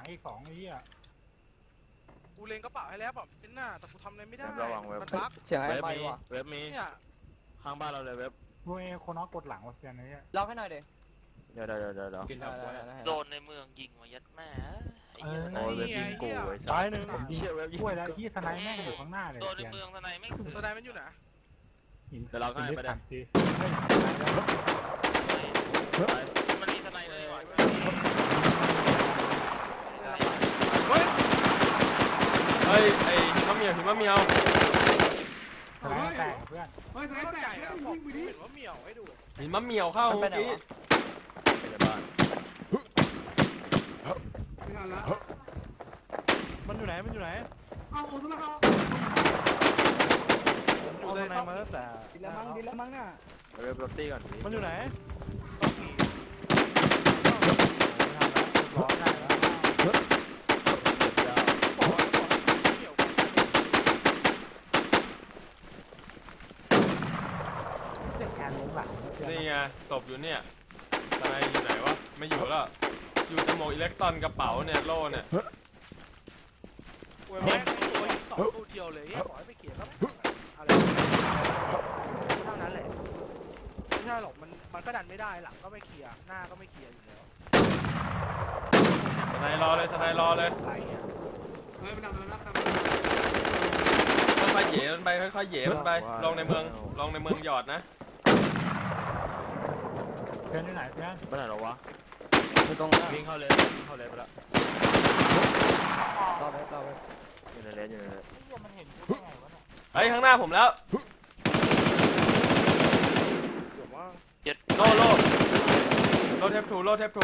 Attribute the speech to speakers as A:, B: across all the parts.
A: อีก2ไอ้เหี้ย
B: กูเล็งกระเป๋าให้แล้วแบบเป็นหน้าแต่กูทำอะไรไม่ได้มันบั๊ก
C: เสียงไอ้ไปว่ะ
D: เว็บมี
B: เนี่ย
D: ข้างบ้านเราเลยเว็บ
A: เว้ยคนน้องกดหลังวะเซียนไอ้เหี้ย
C: ล็อกให้หน่อยดิ
D: เดี๋ยว
A: กิน
E: โดนในเมืองยิงมายัดแม่ไอ้เหี้ย
D: โอ้ยเว็บยิงกูไอ้
A: ซ้ายหนึ่ง
D: ผมเชื่อเว็บยิง
A: ช่วยแล้วที่สไนแม่งอยู่ข้างหน้าเลย
E: โดนใน
A: เซียน
E: เมืองทนายไม่ถือ
B: ตัวใดมันอยู่ไหน
A: หิน
D: เดี๋ยวเราให้ไปได้
A: ที
E: มันมีทนายเลยว่ะ
B: เฮ้ย
F: เฮ้ยไอ้หิมะเมียว
A: สไนแตกเพื่อน
B: ไม่เข้าใจอะบอกเห็นว่าเหมียวให้ดู
F: หิมะเมียวเข้า
C: มันไป
F: เมื่อ
C: ไหน
F: กี้
C: วะ
D: ในบ้าน
B: มันอยู่ไหนอยู่ไหนเอาตัวละครับเอาตัวไหนมาตั้งแต่
C: ดิละมั้งน่ะ
D: เว็บรถตี้ก่อน
B: มันอยู่ไหน
A: ร้อนได้แล้วเด็กแอนลงหลัง
F: นี่ไงตบอยู่เนี่ยทนายอยู่ไหนวะไม่อยู่แล้วอยู่แต่หมวกอิเล็กตรอนกระเป๋าเนี่ยโล่เนี่ย
B: เว้ยแม่งตัวหิน2ตัวเดียวเลยขอให้ไปเขียนแล้วอะไรเท่านั้นแหละไม่ใช่หรอกมันก็ดันไม่ได้หลังก็ไม่เคลียร์หน้าก็ไม่เคลียร์อยู่แล้ว
F: ทนายรอเลยทนายรอเลย
B: อะไรเนี่ย
F: ค่อยๆเหย่มันไปค่อยๆเหย่มันไปลงในเมืองหยอดนะ
A: เพื่อนที่ไหนเพื่อน
D: บ้านไหนหรอวะ
C: อยู่ตรง
D: วิ่งเข้าเลยไปแล้ว
C: ต่อไป
D: อยู่ในเลน
A: มันเห็นกูได้ไงวะเนี่ย
F: เฮ้ยข้างหน้าผมแล้ว
B: เดี๋ยวว่า
F: โล่เทปทู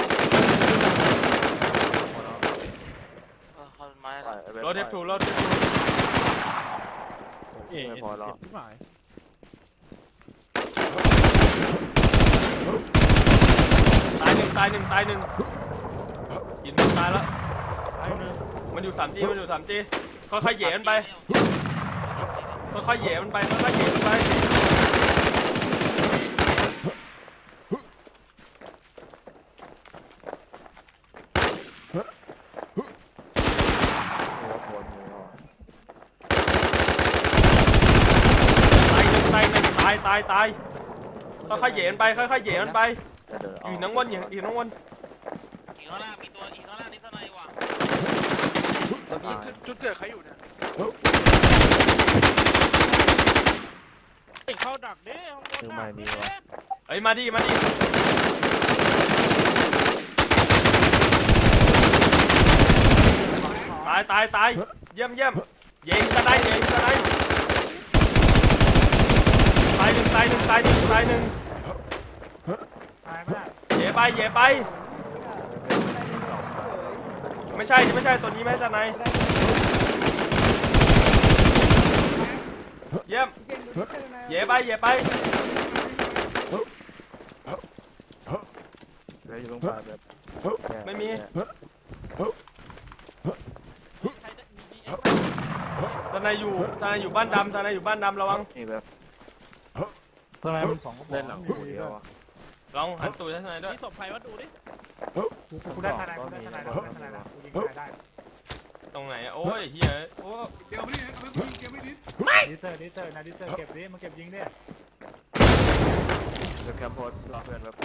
E: เขาไม้ละ
F: โล่เทปทู
D: ไม่พอหรอก
F: ตายหนึ่งยินมันตายแล้วมันอยู่3G ค่อยๆเหย่มันไปค่อยๆเหย่มันไปตายค่อยๆเหย่มันไปอยู่น้องวนอยู่น้องวน
E: อีกข้างล่างมีตัวอีกข้างล่างนี่ทนายว่ะ
C: ตัวพี่
B: จุดเกิดใครอยู่เนี่ยเข้าดักเด้
D: ซื้อใหม่ดีวะ
F: เอ้ยมาดิตายเยี่ยมยิงกันได้ตายหนึ่ง
A: ตายไม่ได้
F: เหย่ไปไม่ใช่ตัวนี้ไม่ใช่สไนเยี่ยมเหย่ไป
D: เลยอยู่ตรงปลายแบบ
F: ไม่มีสไนอยู่บ้านดำระวัง
D: นี่แบบ
A: ทำไมมัน2กระบอก
D: เล่นหลังกูเดียวอ่ะ
F: ลองหันตูดให้สไนด้วย
B: นี่ศพใครวะดูดิ
A: กูได้ทนายกูยิงได้
F: ตรงไหนโอ้ยเฮียโอ้
A: ดิเซอร์เก็บดิมันเก็บยิงดิ
D: เว็บแคมป์โพสรอเพื่อนแบบ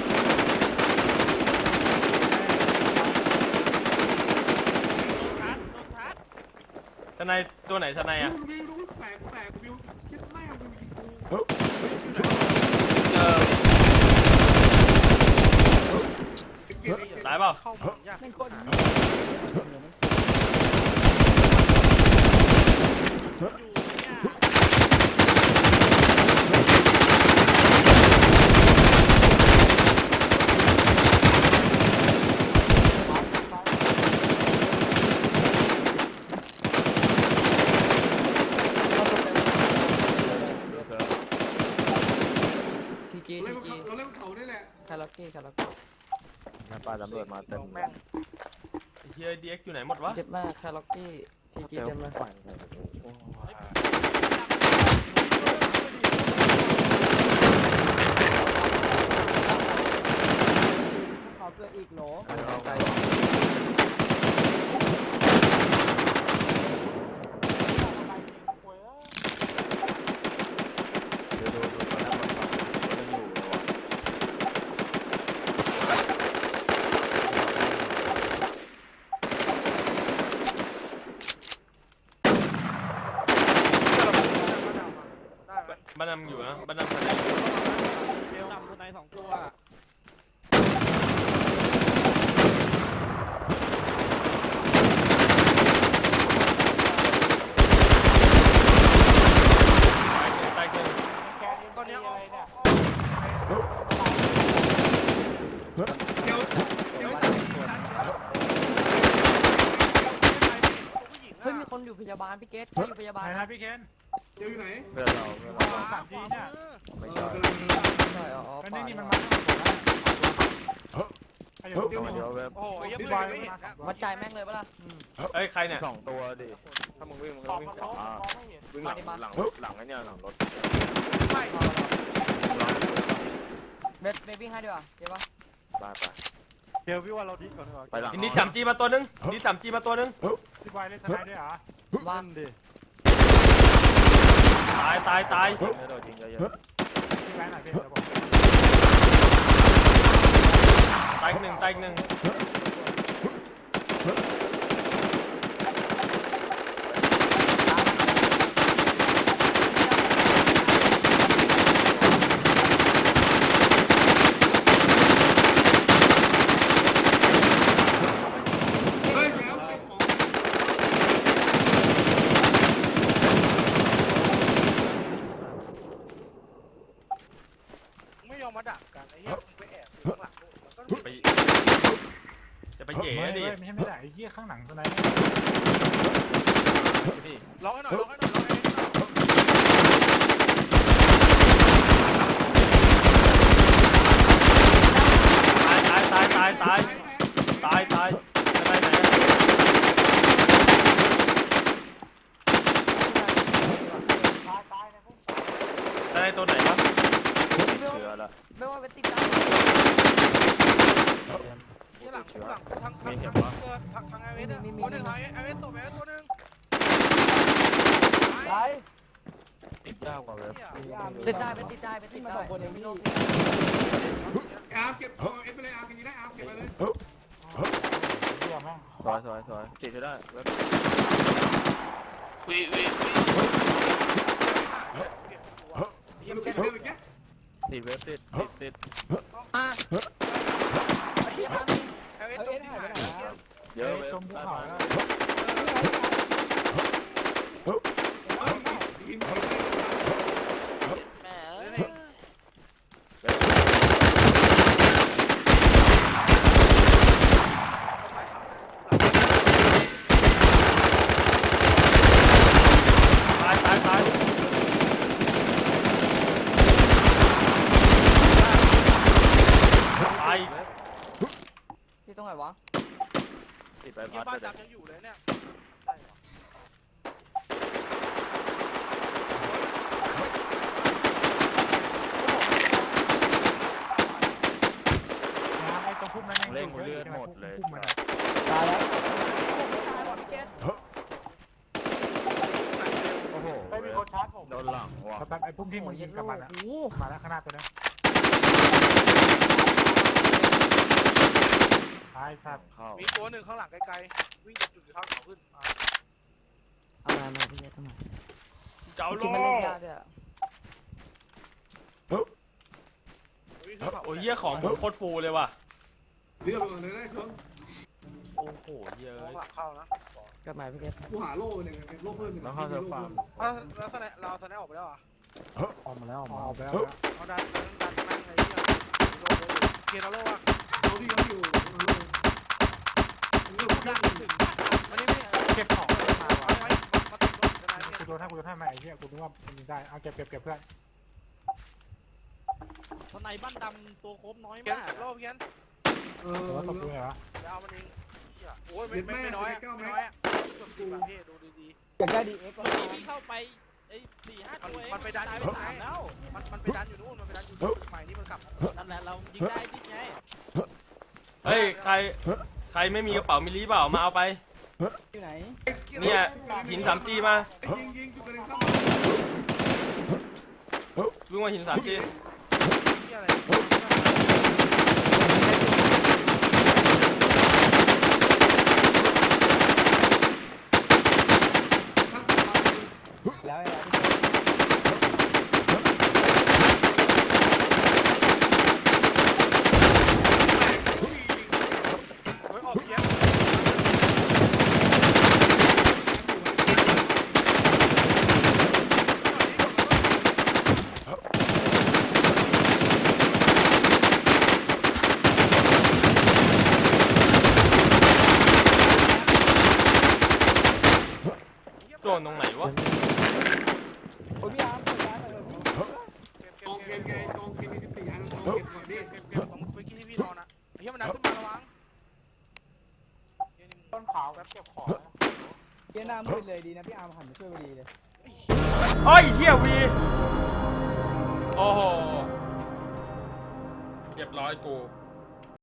F: สไนตัวไหนสไนอ่ะตายเปล่า
B: เข้าผมยาก
C: ทีจีเราเล่นเขาได้แหละคาราเกะ
D: ปลาตำรวจมาเต็ม
F: เฮียดีเอ็กอยู่ไหนหมดวะ
C: เจ็บมากคาราเกะทีจีเต็มเลย
D: ปั่นเลย
C: ขอเกิดอีกโหล
D: เอา
C: ไกล
F: ดำอยู่นะบ้านดำทนาย
C: เบลนำตัวใน2 ตัว
F: ตายหนึ่ง
B: ตอนนี้ออก
C: เฮ้ยมีคนอยู่พยาบาลพี่เกตอยู่พยาบาล
A: ไหนนะพี่เคน
D: เพื่อนเรา
A: สามทีเนี่ย
D: ไม่ใช่
C: ใช่อ๋อ
A: ไอ้
C: ป่า
A: นี่มันมาไอ้เดี๋ยว
D: ตัวเดียวเว็บ
B: โอ้ยยัง
A: พี่
B: ไม่
A: บอย
B: เห็นนะ
C: วัดใจแม่งเลยปะล่ะ
F: เอ้ยใครเนี่ย
D: 2 ตัวดิถ้ามึงวิ่งมึงก็วิ่งขวาวิ่งหลังไอ้เนี่ยหลังรถ
B: ไม่
C: เบสวิ่งให้ดีกว่าเจ๊ปะ
D: ไป
A: เดี๋ยวพี่ว่าเราดิ้นก่อนดีกว่า
D: ไปหลัง
F: นี่3G มาตัวนึงนี่3G มาตัวนึง
A: พี่บอยเล่นทนายด้วยเหรอ
C: ว่าง
A: ดิ
F: ตาย
D: ไม่โดนยิงเยอะ
A: พี่แบงค์หน่อยพี่เดี๋ยวผม
F: ตายอีกหนึ่ง
B: ไม่ยอมมาดักกันไอ้เหี้ยไปแอบข้างหลังมันก็
F: ไปจะไปเหย่ดิ
A: ไม่ใช่ไม่ได้ไอ้เหี้ยข้างหลังทนาย
F: พี่
B: ร้องให้หน่อยร้องให้หน่อยร้องให้หน่อย
F: ตายจะไปไหนได้ตัวไหนวะ
D: ๆเชื้อละ
C: ไม่ว่าเป็นติดตา
B: ที่หลังทางไอเวสตัวหนึ่งไอเวสตัวแม่ตัวหนึ่ง
D: ติดยากกว่าเว็บ
C: ติดได้เป็นติดได้เป็นติดได้ไม่ต้อง
G: อาร์มเก็บเอฟไปเลยอาร์มกินได้อาร์มเก็บไปเลย
A: เหี้ยแม่ง
D: สวยติดจะได้เว็บ
E: วี
G: ยังเก็บเลยเมื่อกี้
D: ติดเว็บติด
C: อ่ะ
B: ไอเวสตัวที่หาย
D: เยอะเว็บ
A: จมภูเขาแล้ว
G: ทีม
E: แม่
F: ตาย
C: ที่ตรงไหนวะ
D: ติดไป
B: ที่
D: พัด
B: บ้าน
D: เลย
B: ดำยังอยู่เลยเนี่ย
A: ไอ้ตรงพุ่มนั้น
D: เล่งเลือดหมดเลย
A: พุ่มมัน
C: ตายแล้วตายหมดพี่เกต
D: โอ้โห
A: ไม่มีคนชาร์จผม
D: โดนหลังว่ะ
A: แบบไอ้พุ่มที่มึงยิงกลับมาแล้ว
C: โอ้โห
A: มาแล้วข้างหน้าตัวนี้ตายสัตว์
D: เข้า
B: มีตัวหนึ่งข้างหลังไกลๆวิ่งจากจุดที่เขาเขาขึ้น
C: เอามาพี่เกตทำไม
F: เจ้าโล
C: คิดมันเล่นยากด้วย
B: วิ่งขึ้นเขา
F: โอ้ยเหี้ยของผมโคตรฟูเลยว่ะ
G: เรียบร้อยเลยได้ชน
F: โอ้โหเยอะ
B: มองหลังเข้านะ
C: กลับมาพี่เกต
G: กูหาโล่เนี่ยโล่เพิ่ม
D: แล้วเข้าเธอฟัง
B: แล้วตอนนี้เราตอนนี้ออกไปแล้วอ่ะ
A: ออกมาแล้วออกไปแล้ว
B: เอาดันแม่งเลยเกียร์โลอ่ะ
G: เขาที่เขาอยู่เรื่องดังถึง
B: อันนี้ไม่
A: เก็บของมา
B: เอา
A: ว่ะ
B: ไว้มาติดรถจะได้
A: กูโดนให้มาไอ้เหี้ยกูนึกว่ามันยิงได้เอาเก็บเพื่อน
C: ทนายบ้านดำตัวครบน้อย
B: เกีย
C: มาก
B: ร์โลเกียร์
A: แต่ว่าตบกูเหรอ
B: เดี๋ยวเอามันเองโอ้ยไม่น้อยอ่ะไม่น้อยอ่ะเกือบ10แบบพี่ดูดี
C: อยากได้ดีเอ็กซ์
H: เมื่อกี้พี่เข้าไปไอ้4-5 ตัวเอง
B: มันไปดันอยู่
H: ตายไป
B: นู่น
H: 3แล้ว
B: มันไปดันอยู่นู่นมันไปดันอยู่จุดใหม่ที่มันกลับ
H: นั่นแหละเรายิงได้ดิไง
F: เฮ้ยใครไม่มีกระเป๋ามิลลิเปล่ามาเอาไป
C: อยู่ไหน
F: เนี่ยหิน 3G มา
G: ยิงจุดกระเด็นเข้า
F: วิ่งมาหิน 3G
B: ที่อะไร
C: แล้ว
F: โดนตรงไหนวะ
E: โอ้ยพี่อาร์มเปิดร้านหน่อยเถอะพี่
G: กองเกมไงกองเกมมี14อันกองเก็บก่อนดิ
B: เก็บของเมื่อกี้ที่พี่นอนอ่ะไอ้เหี้ยมันดันขึ้นมาระวัง
E: ต้นขาวแบบเก็บของเยี่ยหน้ามืดเลยดีนะพี่อาร์มหันมาช่วยพอดีเลย
F: โอ้ยเฮียวีโอ้โหเรียบร้อยกู